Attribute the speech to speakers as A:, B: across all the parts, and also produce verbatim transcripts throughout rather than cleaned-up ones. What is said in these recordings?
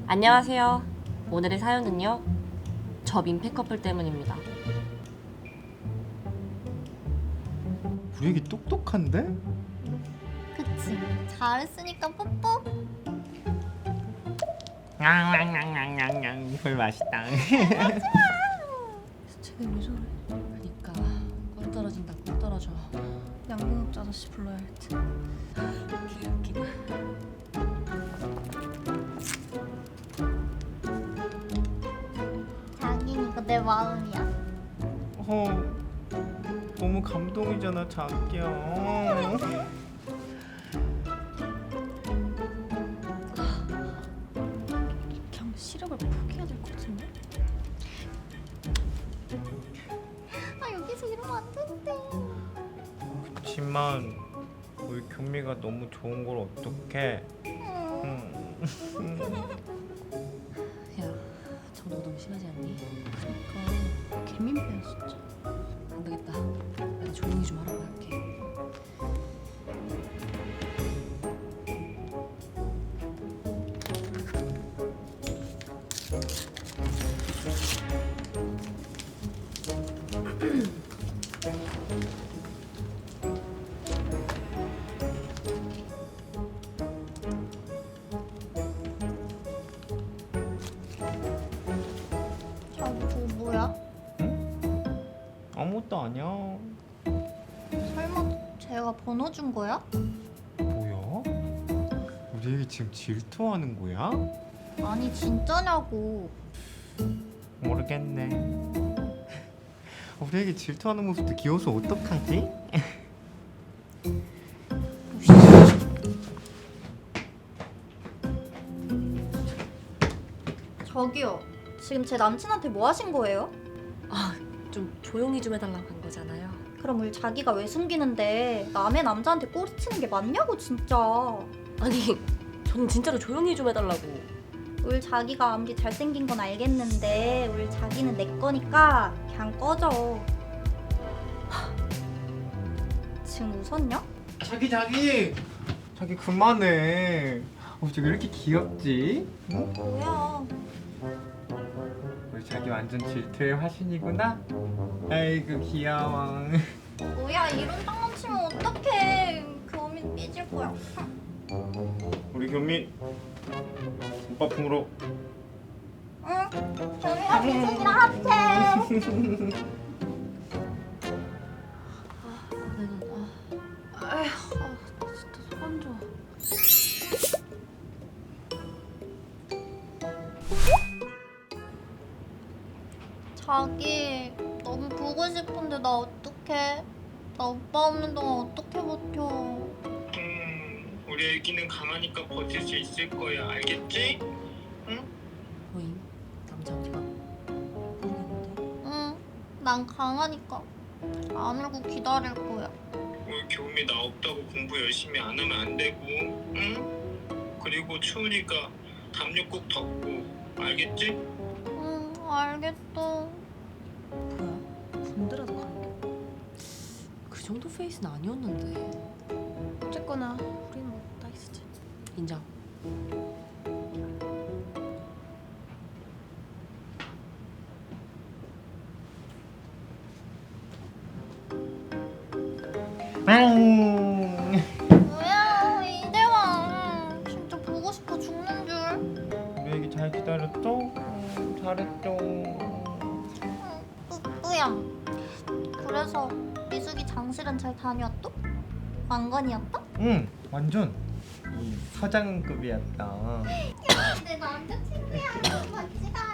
A: 안녕하세요. 오늘의 사연은요, 저 민폐 커플 때문입니다.
B: 우리 애기 똑똑한데?
C: 그치? 잘했으니까 뽀뽀.
B: 냥냥냥냥냥냥 이걸 맛있다.
A: 쟤는 왜 저래? 그니까 꿀 떨어진다 꿀 떨어져.
C: 양궁업자 아저씨 불러야 할 듯.
A: 개웃기다.
C: 자긴 이거 내 마음이야.
B: 어, 너무 감동이잖아 자기야.
C: 그냥 시력을 포기해야 될 것 같은데? 아 여기서 이러면 안 된대.
B: 그치만 우리 교미가 너무 좋은 걸 어떡해? 응.
A: 야, 정도 너무 심하지 않니?
C: 그러니까 개민폐야 진짜.
A: 안 되겠다. 내가 조용히 좀 하라고 할게.
C: 자기 그거 뭐야?
B: 아무것도 아니야.
C: 설마 제가 번호 준 거야?
B: 뭐야? 우리 애기 지금 질투하는 거야?
C: 아니 진짜냐고.
B: 모르겠네. 우리 애기 질투하는 모습도 귀여워서 어떡하지?
C: 저기요. 지금 제 남친한테 뭐 하신 거예요?
A: 아, 좀 조용히 좀 해달라고 한 거잖아요.
C: 그럼 우리 자기가 왜 숨기는데 남의 남자한테 꼬리치는 게 맞냐고 진짜.
A: 아니, 저는 진짜로 조용히 좀 해달라고.
C: 울 자기가 아무리 잘생긴 건 알겠는데 울 자기는 내 거니까 그냥 꺼져. 하, 지금 웃었냐?
B: 자기 자기 자기 그만해. 어떻게 왜 이렇게 귀엽지? 응?
C: 뭐야?
B: 우리 자기 완전 질투의 화신이구나. 아이고 귀여워.
C: 뭐야 이런 장난치면 어떡해. 교민 삐질 거야.
B: 우리 교미 오빠 품으로.
C: 응? 교미가 미숙이랑 합체.
A: 내가 아, 아휴, 아, 나 진짜 속 안 좋아.
C: 자기 너무 보고 싶은데 나 어떡해? 나 오빠 없는 동안 어떻게 버텨?
B: 음, 우리 애기는 강하니까 버틸 수 있을 거야. 알겠지?
A: 뭐임? 남자 어디가? 모르겠는데.
C: 응, 난 강하니까 안 울고 기다릴 거야.
B: 우리 교미 나 없다고 공부 열심히 안 하면 안 되고, 응? 그리고 추우니까 담요 꼭 덮고, 알겠지?
C: 응, 알겠어.
A: 뭐야? 군대라도 가는 게. 그 정도 페이스는 아니었는데.
C: 어쨌거나 우리는 뭐 나이스지.
A: 인정.
C: 뭐야 이제 와. 진짜 보고 싶어 죽는 줄.
B: 우리 애기 잘 기다렸어? 응, 잘했어.
C: 응, 뿌뿌야. 그래서 미숙이 장실은 잘 다녀왔어? 왕건이었다?
B: 응, 완전 이 서장급이었다.
C: 내 남자친구야. 같이 가.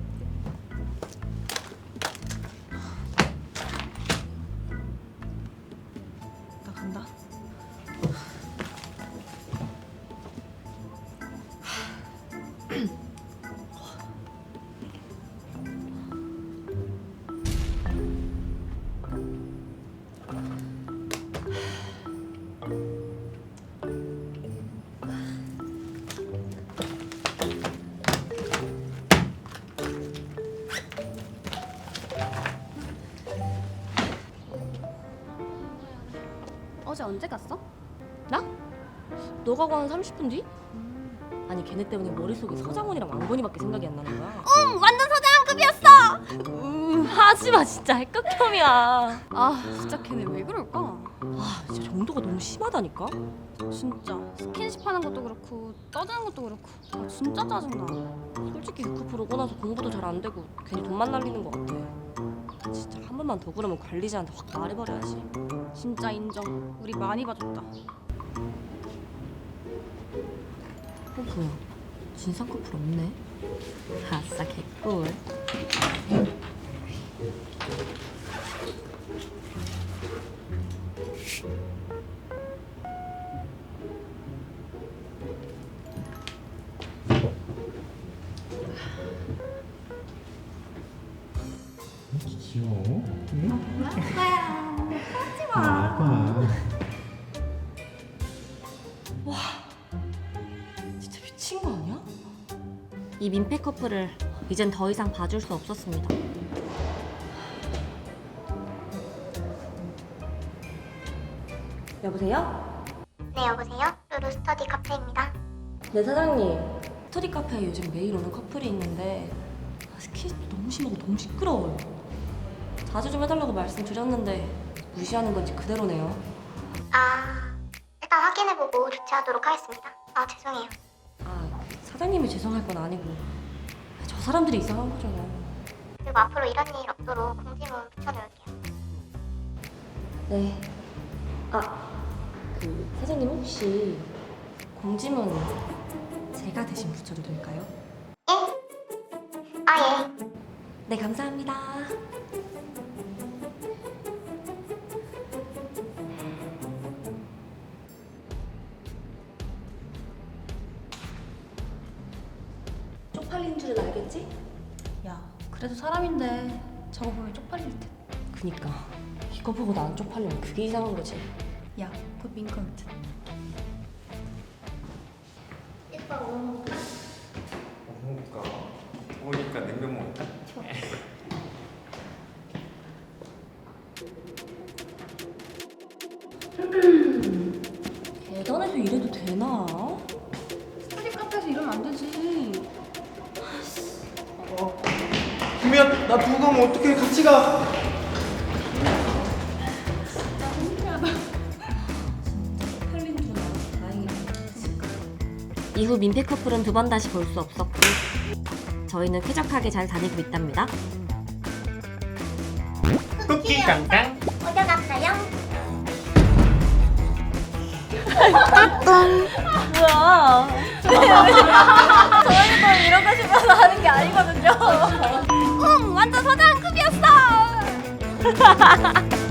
A: 나 간다.
D: 어제 언제 갔어?
A: 나? 너가 가는 삼십 분 뒤?
D: 음.
A: 아니 아니 걔네 때문에 머릿속에 서장훈이랑 왕건이밖에 생각이 안 나는 거야.
C: 응, 완전 서장급이었어.
A: 음, 하지마 진짜 핵극혐이야.
D: 아 진짜 걔네 왜 그럴까?
A: 아 진짜 정도가 너무 심하다니까.
D: 진짜 스킨십 하는 것도 그렇고 떠드는 것도 그렇고 아 진짜 짜증나.
A: 솔직히 육후프 오고 나서 공부도 잘 안 되고 괜히 돈만 날리는 것 같아. 진짜 한 번만 더 그러면 관리자한테 확 말해버려야지.
D: 진짜 인정. 우리 많이 봐줬다.
A: 어 뭐야? 진상 커플 없네. 아싸 개꿀.
E: 귀여워. 응?
C: 아빠야, 하지 마.
E: 아빠.
A: 진짜 미친 거 아니야? 이 민폐 커플을 이젠 더 이상 봐줄 수 없었습니다. 여보세요?
F: 네, 여보세요? 루루 스터디 카페입니다.
A: 네 사장님. 스터디 카페에 요즘 매일 오는 커플이 있는데 스킨십도 너무 심하고 너무 시끄러워요. 자주 좀 해달라고 말씀드렸는데 무시하는 건지 그대로네요.
F: 아, 일단 확인해보고 조치하도록 하겠습니다. 아, 죄송해요.
A: 아 사장님이 죄송할 건 아니고 저 사람들이 이상한 거죠.
F: 그리고 앞으로 이런 일 없도록 공지문 붙여놓을게요.
A: 네. 아, 그 사장님 혹시 공지문 제가 대신 붙여도 될까요?
F: 예? 아, 예.
A: 네, 감사합니다. 쪽팔린 줄은 알겠지?
D: 야 그래도 사람인데 저거 보면 쪽팔릴 듯.
A: 그니까 이거 보고 나 안 쪽팔리면 그게 이상한 거지.
D: 야 그거 민컴 듯.
F: 오빠 뭐 먹을까?
E: 먹을까? 먹으니까 냉면 먹을까?
A: 계단에서 이래도 되나?
D: 스터디 카페에서 이러면 안 되지.
E: 김이야, 나 두고 가면 어떡해? 같이 가.
A: 쪽팔린 줄은 알아서 다행이다. 이후 민폐 커플은 두 번 다시 볼 수 없었고 저희는 쾌적하게 잘 다니고 있답니다.
B: 쿠키 강당.
F: 어디 갔어요?
A: 뭐야?
C: 저희도 이런 거 싶어서 하는 게 아니거든요. 응, 완전 서장급이었어.